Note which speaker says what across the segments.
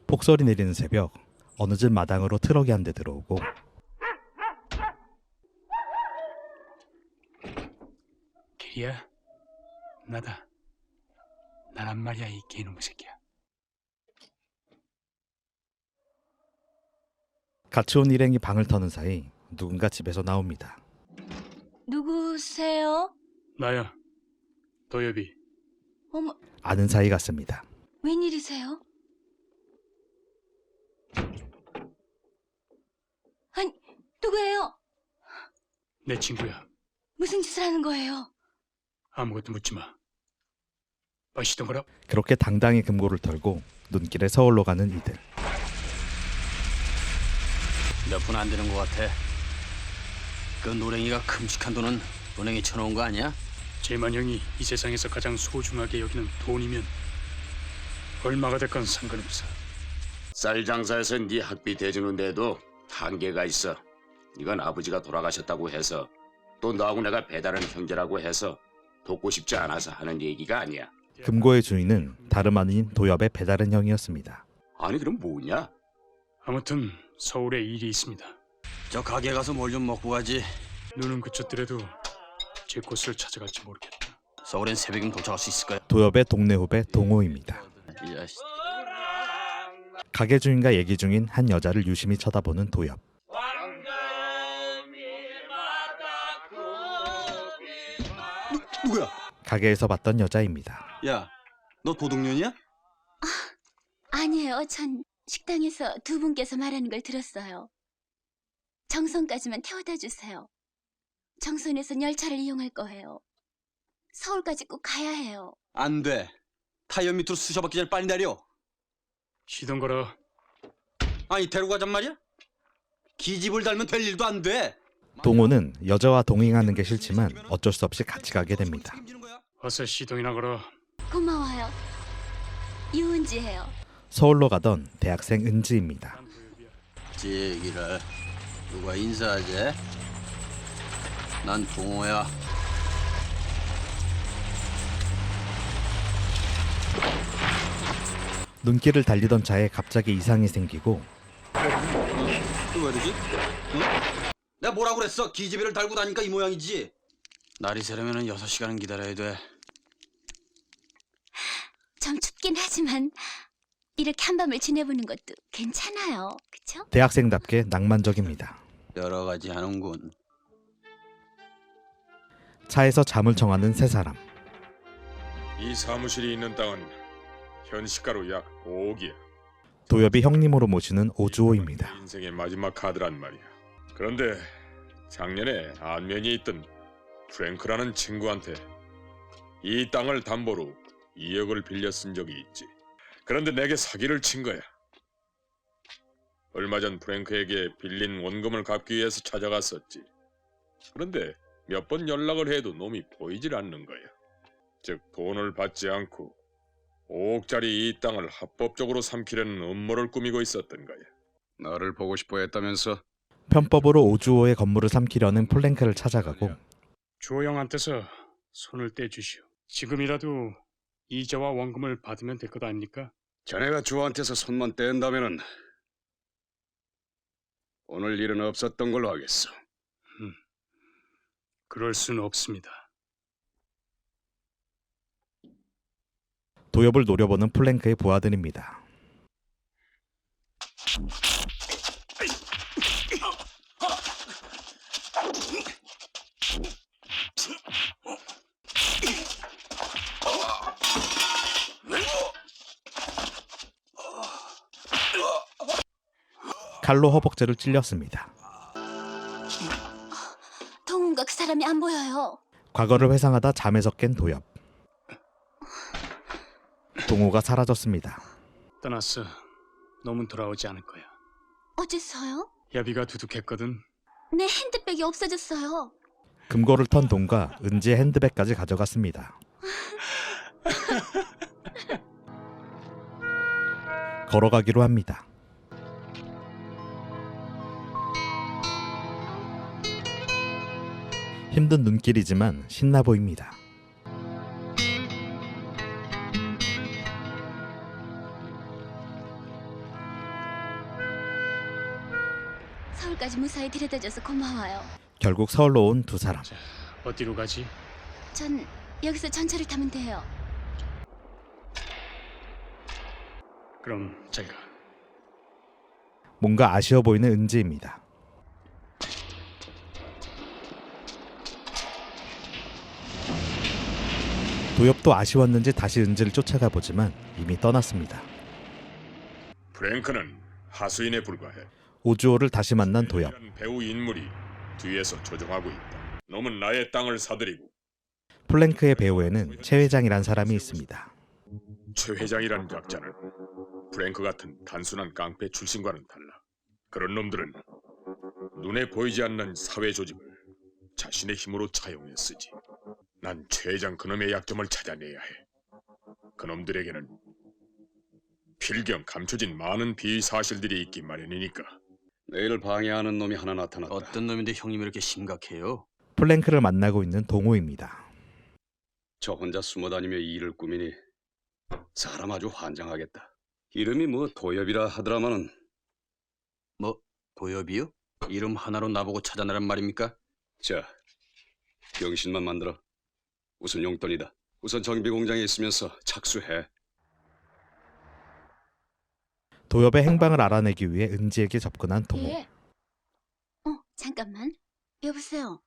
Speaker 1: 폭설이 내리는 새벽, 어느 집 마당으로 트럭이 한 대 들어오고
Speaker 2: 길이야? 나다. 나란 말이야, 이 개놈의 새끼야.
Speaker 1: 같이 온 일행이 방을 터는 사이 누군가 집에서 나옵니다.
Speaker 3: 누구세요?
Speaker 2: 나야, 도엽이.
Speaker 3: 어머,
Speaker 1: 아는 사이 같습니다.
Speaker 3: 웬일이세요? 아니, 누구예요?
Speaker 2: 내 친구야.
Speaker 3: 무슨 짓을 하는 거예요?
Speaker 2: 아무것도 묻지 마. 마시던 거라.
Speaker 1: 그렇게 당당히 금고를 털고 눈길에 서울로 가는 이들.
Speaker 4: 몇 푼 안 되는 것 같아. 그 노랭이가 큼직한 돈은 은행에 쳐놓은 거 아니야?
Speaker 2: 재만 형이 이 세상에서 가장 소중하게 여기는 돈이면 얼마가 됐건 상관없어.
Speaker 5: 쌀 장사에서 네 학비 대주는데도 한계가 있어. 이건 아버지가 돌아가셨다고 해서 또 너하고 내가 배다른 형제라고 해서 돕고 싶지 않아서 하는 얘기가 아니야.
Speaker 1: 금고의 주인은 다름 아닌 도엽의 배다른 형이었습니다.
Speaker 5: 아니 그럼 뭐냐?
Speaker 2: 아무튼 서울에 일이 있습니다.
Speaker 4: 저 가게 가서 뭘 좀 먹고 가지.
Speaker 2: 눈은 그쳤더라도 제 곳을 찾아갈지 모르겠다.
Speaker 4: 서울엔 새벽이면 도착할 수 있을 거야.
Speaker 1: 도엽의 동네 후배 동호입니다.
Speaker 4: 이 자식.
Speaker 1: 가게 주인과 얘기 중인 한 여자를 유심히 쳐다보는 도엽.
Speaker 4: 누구야?
Speaker 1: 가게에서 봤던 여자입니다.
Speaker 4: 야, 너 도둑년이야?
Speaker 3: 아니에요. 전 식당에서 두 분께서 말하는 걸 들었어요. 정선까지만 태워다 주세요. 정선에선 열차를 이용할 거예요. 서울까지 꼭 가야 해요.
Speaker 4: 안 돼. 타이어 밑으로 쑤셔박기 전에 빨리 내려.
Speaker 2: 쉬던 거라.
Speaker 4: 아니 데려가잔 말이야? 기집을 달면 될 일도 안 돼.
Speaker 1: 동호는 여자와 동행하는 게 싫지만 어쩔 수 없이 같이 가게 됩니다.
Speaker 2: 어서 시동이나 걸어.
Speaker 3: 고마워요. 유은지예요.
Speaker 1: 서울로 가던 대학생 은지입니다.
Speaker 4: 제기를 누가 인사하지? 난 동호야.
Speaker 1: 눈길을 달리던 차에 갑자기 이상이 생기고
Speaker 4: 또 왜 이러지? 응? 내가 뭐라고 그랬어? 기집애를 달고 다니까 이 모양이지. 날이 새려면 6시간은 기다려야 돼.
Speaker 3: 좀 춥긴 하지만 이렇게 한밤을 지내보는 것도 괜찮아요. 그쵸?
Speaker 1: 대학생답게 낭만적입니다.
Speaker 4: 여러 가지 하는군.
Speaker 1: 차에서 잠을 청하는 세 사람.
Speaker 6: 이 사무실이 있는 땅은 현시가로 약 5억이야.
Speaker 1: 도엽이 형님으로 모시는 오주호입니다.
Speaker 6: 인생의 마지막 카드란 말이야. 그런데 작년에 안면이 있던 프랭크라는 친구한테 이 땅을 담보로 2억을 빌려 쓴 적이 있지. 그런데 내게 사기를 친 거야. 얼마 전 프랭크에게 빌린 원금을 갚기 위해서 찾아갔었지. 그런데 몇 번 연락을 해도 놈이 보이질 않는 거야. 즉 돈을 받지 않고 5억짜리 이 땅을 합법적으로 삼키려는 음모를 꾸미고 있었던 거야.
Speaker 7: 나를 보고 싶어 했다면서?
Speaker 1: 편법으로 오주호의 건물을 삼키려는 플랭크를 찾아가고
Speaker 2: 주호 형한테서 손을 떼주시오. 지금이라도 이자와 원금을 받으면 될 것 아닙니까?
Speaker 7: 자네가 주한테서 손만 뗀다면은 오늘 일은 없었던 걸로 하겠어.
Speaker 2: 그럴 수는 없습니다.
Speaker 1: 도엽을 노려보는 플랭크의 부하들입니다. 칼로 허벅지를 찔렸습니다.
Speaker 3: 동훈과 그 사람이 안 보여요.
Speaker 1: 과거를 회상하다 잠에서 깬 도엽. 동호가 사라졌습니다.
Speaker 2: 떠났어. 놈은 돌아오지 않을 거야.
Speaker 3: 어째서요?
Speaker 2: 야비가 두둑했거든.
Speaker 3: 내 핸드백이 없어졌어요.
Speaker 1: 금고를 턴 동과 은지의 핸드백까지 가져갔습니다. 걸어가기로 합니다. 힘든 눈길이지만 신나 보입니다.
Speaker 3: 서울까지 무사히 데려다줘서 고마워요.
Speaker 1: 결국 서울로 온 두 사람.
Speaker 2: 자, 어디로 가지?
Speaker 3: 전 여기서 전철을 타면 돼요.
Speaker 2: 그럼 잘 가.
Speaker 1: 뭔가 아쉬워 보이는 은지입니다. 도엽도 아쉬웠는지 다시 은지를 쫓아가 보지만 이미 떠났습니다.
Speaker 6: 프랭크는 하수인에 불과해.
Speaker 1: 오주호를 다시 만난 도엽.
Speaker 6: 배우 인물이 뒤에서 조종하고 있다. 놈은 나의 땅을 사들이고
Speaker 1: 플랭크의 배후에는 최 회장이란 사람이 있습니다.
Speaker 6: 최 회장이라는 약자는 프랭크 같은 단순한 깡패 출신과는 달라. 그런 놈들은 눈에 보이지 않는 사회 조직을 자신의 힘으로 차용해 쓰지. 난 최 회장 그놈의 약점을 찾아내야 해. 그놈들에게는 필경 감춰진 많은 비위 사실들이 있기 마련이니까.
Speaker 7: 내일 방해하는 놈이 하나 나타났다.
Speaker 4: 어떤 놈인데 형님 이렇게 심각해요?
Speaker 1: 플랭크를 만나고 있는 동호입니다.
Speaker 7: 저 혼자 숨어다니며 일을 꾸미니 사람 아주 환장하겠다. 이름이 뭐 도엽이라 하더라마는
Speaker 4: 뭐 도엽이요? 이름 하나로 나보고 찾아내란 말입니까?
Speaker 7: 자, 병신만 만들어. 우선 용돈이다. 우선 정비 공장에 있으면서 착수해.
Speaker 1: 도엽의 행방을 알아내기 위해 은지에게 접근한 동호.
Speaker 3: 예. 잠깐만. 여보세요.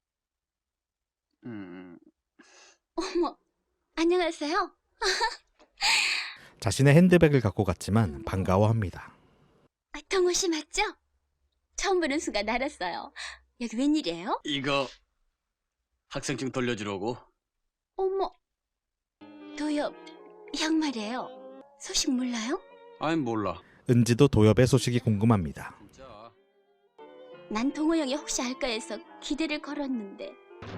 Speaker 3: 어머, 안녕하세요.
Speaker 1: 자신의 핸드백을 갖고 갔지만 반가워합니다.
Speaker 3: 동호 씨 맞죠? 처음 보는 순간 알았어요. 여기 웬일이에요?
Speaker 4: 이거 학생증 돌려주려고.
Speaker 3: 어머, 도엽, 형 말이에요. 소식 몰라요?
Speaker 4: 아이 몰라.
Speaker 1: 은지도 도엽의 소식이 궁금합니다.
Speaker 4: 진짜.
Speaker 3: 난 동호 형이 혹시 알까 해서 기대를 걸었는데.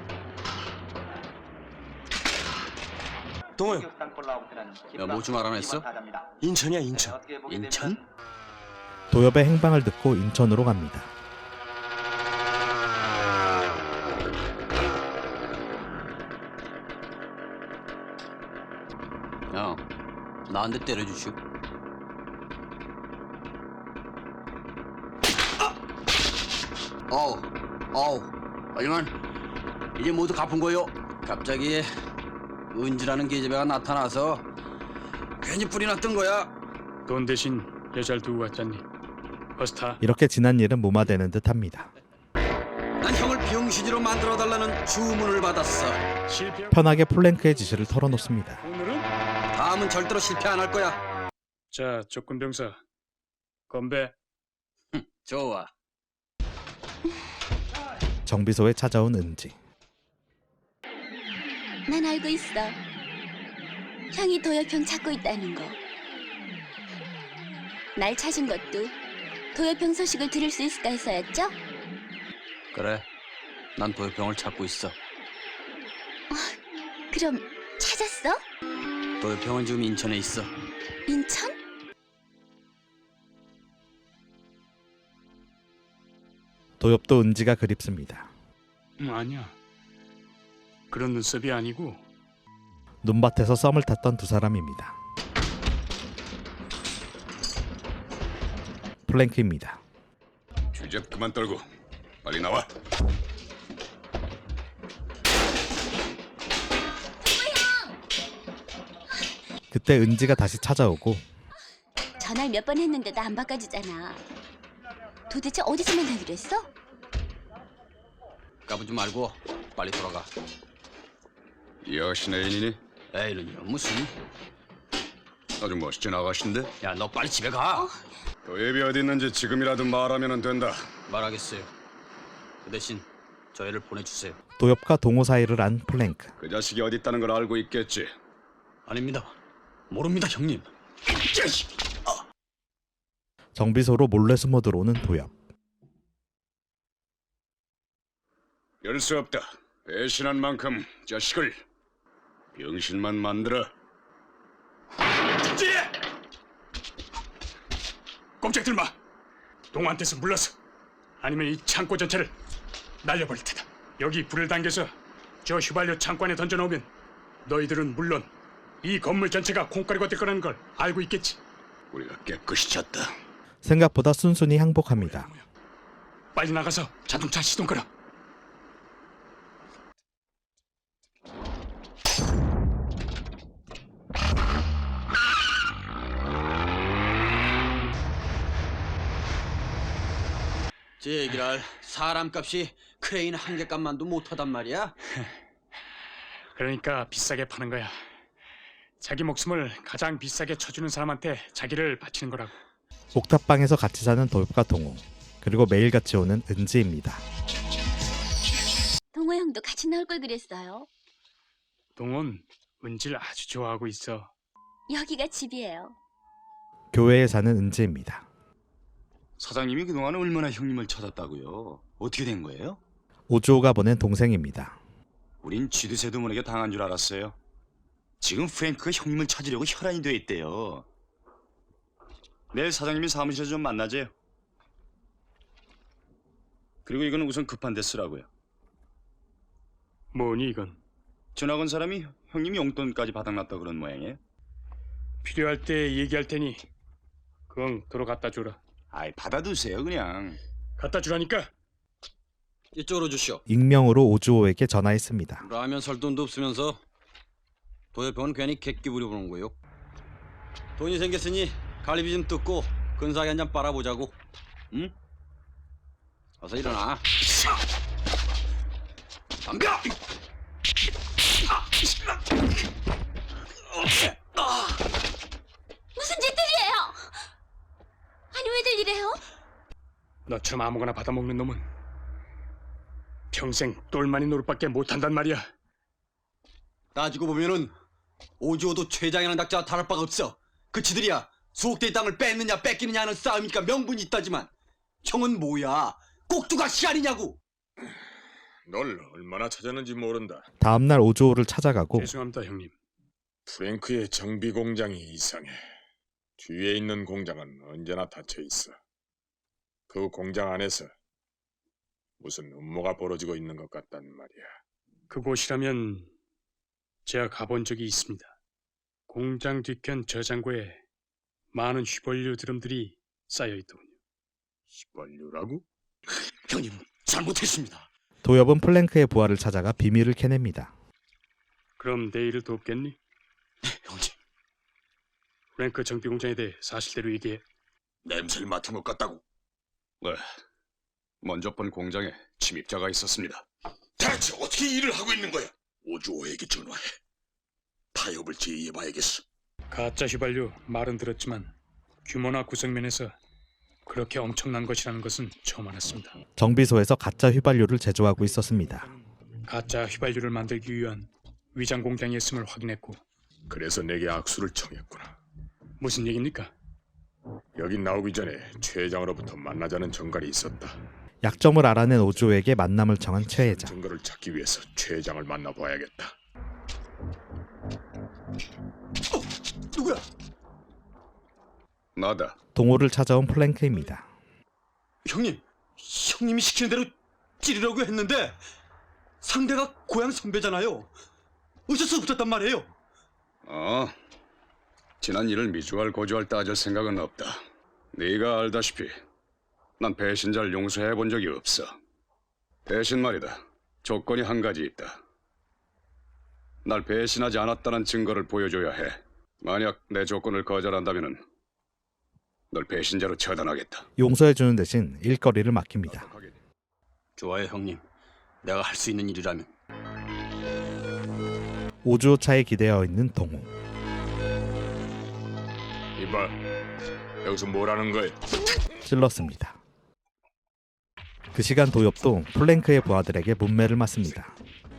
Speaker 4: 동호요. 야, 뭐 좀 알아냈어? 인천이야 인천. 인천?
Speaker 1: 도엽의 행방을 듣고 인천으로 갑니다.
Speaker 4: 야, 나한테 때려주시오. 어우, 하지만 이제 모두 갚은 거요. 갑자기 은지라는 계집애가 나타나서 괜히 불이 났던 거야.
Speaker 2: 돈 대신 여자를 두고 갔잖니. 어서 타.
Speaker 1: 이렇게 지난 일은 무마되는 듯합니다.
Speaker 4: 난 형을 병신으로 만들어달라는 주문을 받았어.
Speaker 2: 실패.
Speaker 1: 편하게 플랭크의 지시를 털어놓습니다.
Speaker 2: 오늘은
Speaker 4: 다음은 절대로 실패 안 할 거야.
Speaker 2: 자 조건병사 건배.
Speaker 4: 좋아.
Speaker 1: 정비소에 찾아온 은지.
Speaker 3: 난 알고 있어. 형이 도엽 형 찾고 있다는 거. 날 찾은 것도 도엽 형 소식을 들을 수 있을까 해서였죠?
Speaker 4: 그래. 난 도엽형을 찾고 있어.
Speaker 3: 그럼 찾았어?
Speaker 4: 도엽형은 지금 인천에 있어.
Speaker 3: 인천?
Speaker 1: 도엽도 은지가 그립습니다.
Speaker 2: 아니야. 그런 눈썹이 아니고
Speaker 1: 눈밭에서 썸을 탔던 두 사람입니다. 플랭크입니다.
Speaker 7: 주접 그만 떨고 빨리 나와.
Speaker 1: 그때 은지가 다시 찾아오고
Speaker 3: 전화를 몇 번 했는데도 안 바꿔주잖아. 도대체 어디서 만나기로 했어?
Speaker 4: 까부지 말고 빨리 돌아가.
Speaker 7: 이 아가씨 애인이니?
Speaker 4: 에이는요 무슨?
Speaker 7: 아주 멋진 아가씨인데?
Speaker 4: 야 너 빨리 집에 가.
Speaker 7: 도엽이 어디 있는지 지금이라도 말하면 된다.
Speaker 4: 말하겠어요. 그 대신 저 애를 보내주세요.
Speaker 1: 도엽과 동호 사이를 안 플랭크.
Speaker 7: 그 자식이 어디 있다는 걸 알고 있겠지.
Speaker 4: 아닙니다. 모릅니다 형님. 이 자식!
Speaker 1: 정비소로 몰래 숨어 들어오는 도엽.
Speaker 7: 열 수 없다. 배신한 만큼 자식을 병신만 만들어.
Speaker 2: 꼼짝들 마. 동호한테서 물러서. 아니면 이 창고 전체를 날려버릴 테다. 여기 불을 당겨서 저 휘발유 창고 안에 던져놓으면 너희들은 물론 이 건물 전체가 콩가루가 될 거라는 걸 알고 있겠지.
Speaker 7: 우리가 깨끗이 쳤다.
Speaker 1: 생각보다 순순히 항복합니다.
Speaker 2: 빨리 나가서 자동차 시동 걸어.
Speaker 4: 제 얘기를 사람값이 크레인 한 개 값만도 못하단 말이야?
Speaker 2: 그러니까 비싸게 파는 거야. 자기 목숨을 가장 비싸게 쳐주는 사람한테 자기를 바치는 거라고.
Speaker 1: 옥탑방에서 같이 사는 도엽과 동호, 그리고 매일 같이 오는 은지입니다.
Speaker 3: 동호 형도 같이 나올 걸 그랬어요.
Speaker 2: 동훈 은지를 아주 좋아하고 있어.
Speaker 3: 여기가 집이에요.
Speaker 1: 교회에 사는 은지입니다.
Speaker 8: 사장님이 그동안 얼마나 형님을 찾았다고요? 어떻게 된 거예요?
Speaker 1: 오주호가 보낸 동생입니다.
Speaker 8: 우린 쥐도새도 모르게 당한 줄 알았어요. 지금 프랭크가 형님을 찾으려고 혈안이 돼 있대요. 내일 사장님이 사무실에서 좀 만나재요. 그리고 이건 우선 급한 데 쓰라고요.
Speaker 2: 뭐니 이건?
Speaker 8: 전학 온 사람이 형님 용돈까지 바닥났다 그런 모양이에요.
Speaker 2: 필요할 때 얘기할 테니 그건 도로 갖다 주라.
Speaker 8: 아이 받아두세요 그냥.
Speaker 2: 갖다 주라니까.
Speaker 4: 이쪽으로 주시오.
Speaker 1: 익명으로 오주호에게 전화했습니다.
Speaker 4: 라면 살 돈도 없으면서 도협병은 괜히 객기 부려보는 거요. 돈이 생겼으니 갈비 좀 뜯고 근사하게 한 잔 빨아보자고. 응? 어서 일어나. 덤벼!
Speaker 3: 무슨 짓들이에요? 아니 왜들 이래요?
Speaker 2: 너처럼 아무거나 받아먹는 놈은 평생 똘마니 노릇밖에 못한단 말이야.
Speaker 4: 따지고 보면은 오주호도 최장이라는 작자와 다를 바가 없어. 그치들이야 수옥대의 땅을 뺏느냐 뺏기느냐 하는 싸움이니까 명분이 있다지만 형은 뭐야? 꼭두가 시간이냐고.
Speaker 6: 널 얼마나 찾았는지 모른다.
Speaker 1: 다음날 오주호를 찾아가고
Speaker 2: 죄송합니다 형님.
Speaker 6: 프랭크의 정비 공장이 이상해. 뒤에 있는 공장은 언제나 닫혀 있어. 그 공장 안에서 무슨 음모가 벌어지고 있는 것 같단 말이야.
Speaker 2: 그곳이라면 제가 가본 적이 있습니다. 공장 뒤편 저장고에 많은 휘발유 드럼들이 쌓여있더군요.
Speaker 6: 휘발유라고?
Speaker 8: 형님 잘못했습니다.
Speaker 1: 도엽은 플랭크의 부하를 찾아가 비밀을 캐냅니다.
Speaker 2: 그럼 내일을 돕겠니?
Speaker 8: 형님
Speaker 2: 프랭크 정비공장에 대해 사실대로 얘기해.
Speaker 7: 냄새를 맡은 것 같다고. 네. 먼저 본 공장에 침입자가 있었습니다.
Speaker 5: 대체 어떻게 일을 하고 있는 거야? 오주호에게 전화해. 타협을 제의해봐야겠어.
Speaker 2: 가짜 휘발유 말은 들었지만 규모나 구성면에서 그렇게 엄청난 것이라는 것은 처음 알았습니다.
Speaker 1: 정비소에서 가짜 휘발유를 제조하고 있었습니다.
Speaker 2: 가짜 휘발유를 만들기 위한 위장 공장이었음을 확인했고.
Speaker 6: 그래서 내게 악수를 청했구나.
Speaker 2: 무슨 얘기입니까?
Speaker 6: 여기 나오기 전에 최 회장으로부터 만나자는 전갈이 있었다.
Speaker 1: 약점을 알아낸 오주호에게 만남을 청한 최 회장.
Speaker 6: 증거를 찾기 위해서 최 회장을 만나봐야겠다.
Speaker 4: 누구야?
Speaker 7: 나다.
Speaker 1: 동호를 찾아온 플랭크입니다.
Speaker 4: 형님이 시키는 대로 찌르려고 했는데 상대가 고향 선배잖아요. 어쩔 수 없었단 말이에요.
Speaker 7: 지난 일을 미주알 고주알 따질 생각은 없다. 네가 알다시피 난 배신자를 용서해 본 적이 없어. 대신 말이다. 조건이 한 가지 있다. 날 배신하지 않았다는 증거를 보여줘야 해. 만약 내 조건을 거절한다면은 널 배신자로 처단하겠다.
Speaker 1: 용서해주는 대신 일거리를 맡깁니다.
Speaker 4: 좋아요 형님. 내가 할 수 있는 일이라면.
Speaker 1: 오주호 차에 기대어 있는 동호.
Speaker 6: 이봐, 여기서 뭐라는 거야?
Speaker 1: 찔렀습니다. 그 시간 도엽도 플랭크의 부하들에게 문매를 맞습니다.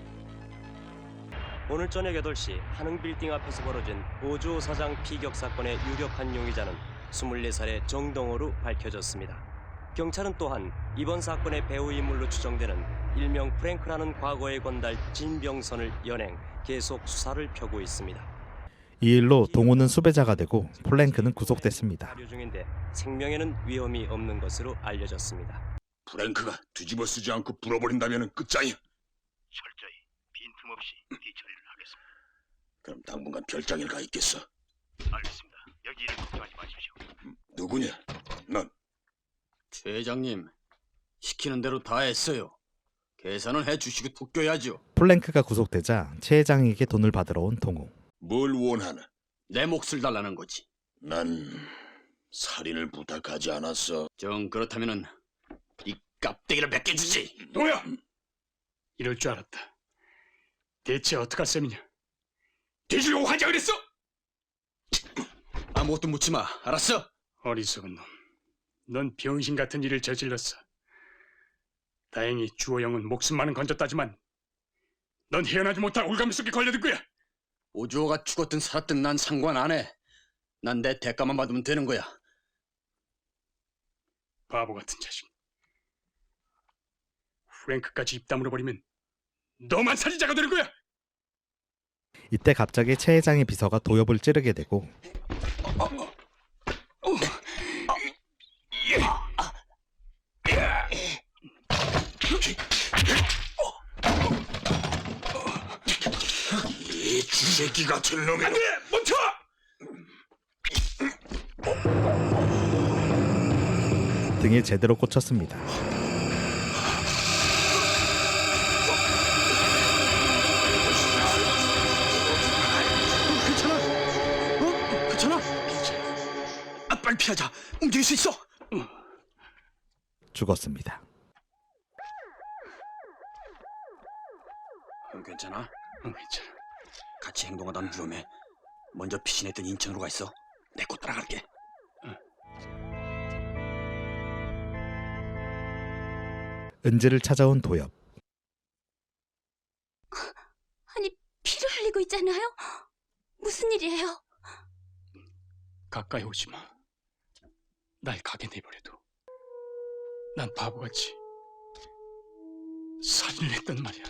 Speaker 9: 오늘 저녁 8시 한흥 빌딩 앞에서 벌어진 오주호 사장 피격 사건의 유력한 용의자는 24살의 정동호로 밝혀졌습니다. 경찰은 또한 이번 사건의 배후 인물로 추정되는 일명 프랭크라는 과거의 건달 진병선을 연행 계속 수사를 펴고 있습니다.
Speaker 1: 이 일로 동호는 수배자가 되고 플랭크는 구속됐습니다.
Speaker 9: 발효 중인데 생명에는 위험이 없는 것으로 알려졌습니다.
Speaker 5: 프랭크가 뒤집어 쓰지 않고 불어버린다면 끝장이야.
Speaker 10: 철저히 빈틈없이 뒤처리를 하겠습니다.
Speaker 5: 그럼 당분간 별장에 가 있겠어.
Speaker 10: 알겠습니다. 여기 일을 걱정하지 마십시오.
Speaker 5: 누구냐? 넌
Speaker 4: 최 회장님, 시키는 대로 다 했어요. 계산은 해주시고 토껴야죠.
Speaker 1: 플랭크가 구속되자 최 회장에게 돈을 받으러 온 동호.
Speaker 5: 뭘 원하나?
Speaker 4: 내 몫을 달라는 거지.
Speaker 5: 난 살인을 부탁하지 않았어.
Speaker 4: 정 그렇다면은 이 깝대기를 몇 개 주지.
Speaker 2: 동호야! 이럴 줄 알았다. 대체 어떡할 셈이냐? 뒤지려고 하자 그랬어?
Speaker 4: 아무것도 묻지 마. 알았어?
Speaker 2: 어리석은 놈. 넌 병신 같은 일을 저질렀어. 다행히 주호 형은 목숨만은 건졌다지만 넌 헤어나지 못할 올가미 속에 걸려들 거야.
Speaker 4: 오주호가 죽었든 살았든 난 상관 안 해. 난 내 대가만 받으면 되는 거야.
Speaker 2: 바보 같은 자식. 프랭크까지 입 다물어 버리면 너만 살인자가 되는 거야.
Speaker 1: 이때 갑자기 최 회장의 비서가 도엽을 찌르게 되고
Speaker 5: 이 쥐새끼 같은 놈이.
Speaker 2: 안돼! 멈춰!
Speaker 1: 등에 제대로 꽂혔습니다.
Speaker 4: 괜찮아? 괜찮아? 빨리 피하자. 움직일 수 있어.
Speaker 1: 죽었습니다.
Speaker 4: 괜찮아?
Speaker 2: 괜찮아.
Speaker 4: 같이 행동하다는 위험해. 먼저 피신했던 인천으로 가 있어. 내 곧 따라갈게.
Speaker 1: 은지를 찾아온 도엽.
Speaker 3: 아니, 피를 흘리고 있잖아요. 무슨 일이에요?
Speaker 2: 가까이 오지 마. 날 가게 내버려둬. 난 바보같이 살인을 했단 말이야.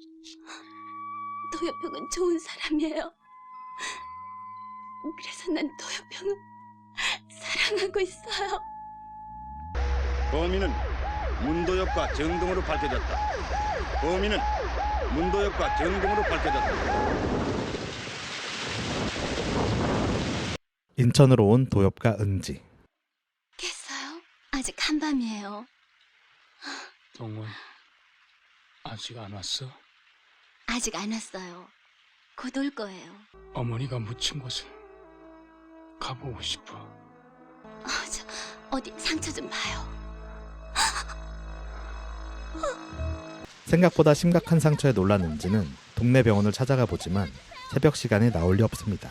Speaker 3: 도엽 형은 좋은 사람이에요. 그래서 난 도엽 형을 사랑하고 있어요.
Speaker 8: 범인은 문도엽과 정동으로 밝혀졌다. 범인은 문도엽과 정동으로 밝혀졌다.
Speaker 1: 인천으로 온 도엽과 은지.
Speaker 3: 깼어요? 아직 한밤이에요.
Speaker 2: 동원 아직 안 왔어?
Speaker 3: 아직 안 왔어요. 곧 올 거예요.
Speaker 2: 어머니가 묻힌 곳을 가보고 싶어.
Speaker 3: 저 어디 상처 좀 봐요.
Speaker 1: 생각보다 심각한 상처에 놀란 은지는 동네 병원을 찾아가 보지만 새벽 시간에 나올 리 없습니다.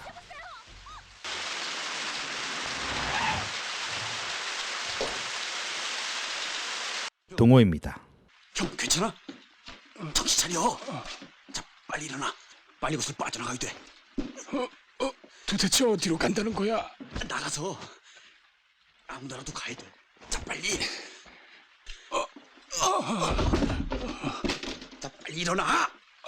Speaker 1: 동호입니다.
Speaker 4: 형 괜찮아? 정신 차려. 자, 빨리 일어나. 빨리 곳을 빠져나가야 돼.
Speaker 2: 도대체 어디로 간다는 거야?
Speaker 4: 나가서 아무 나라도 가야 돼. 자, 빨리. 자, 빨리 일어나.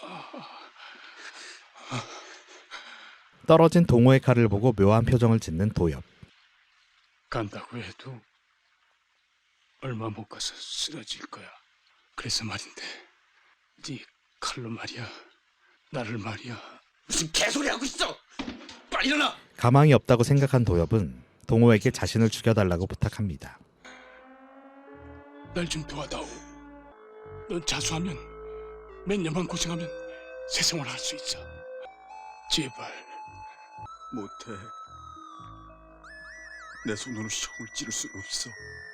Speaker 1: 떨어진 동호의 칼을 보고 묘한 표정을 짓는 도엽.
Speaker 2: 간다고 해도 얼마 못 가서 쓰러질 거야. 그래서 말인데 네 칼로 말이야. 나를 말이야.
Speaker 4: 무슨 개소리 하고 있어. 빨리 일어나.
Speaker 1: 가망이 없다고 생각한 도엽은 동호에게 자신을 죽여달라고 부탁합니다.
Speaker 2: 날 좀 도와다오. 넌 자수하면 몇 년만 고생하면 새 생활 할 수 있어. 제발.
Speaker 4: 못해. 내 손으로 형을 찌를 수는 없어.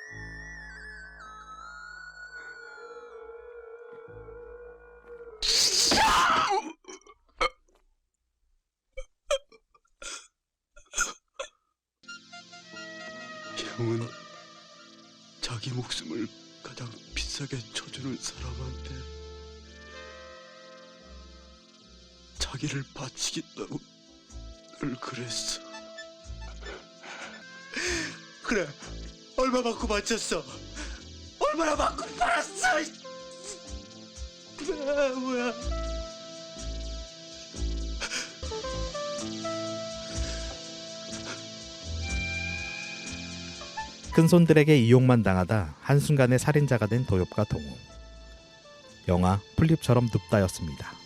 Speaker 4: 형은 자기 목숨을 가장 비싸게 쳐주는 사람한테 자기를 바치겠다고 늘 그랬어. 그래, 얼마 받고 바쳤어? 얼마나 받고 팔았어? 그래, 뭐야?
Speaker 1: 큰손들에게 이용만 당하다 한순간에 살인자가 된 도엽과 동호. 영화 풀립처럼 눕다였습니다.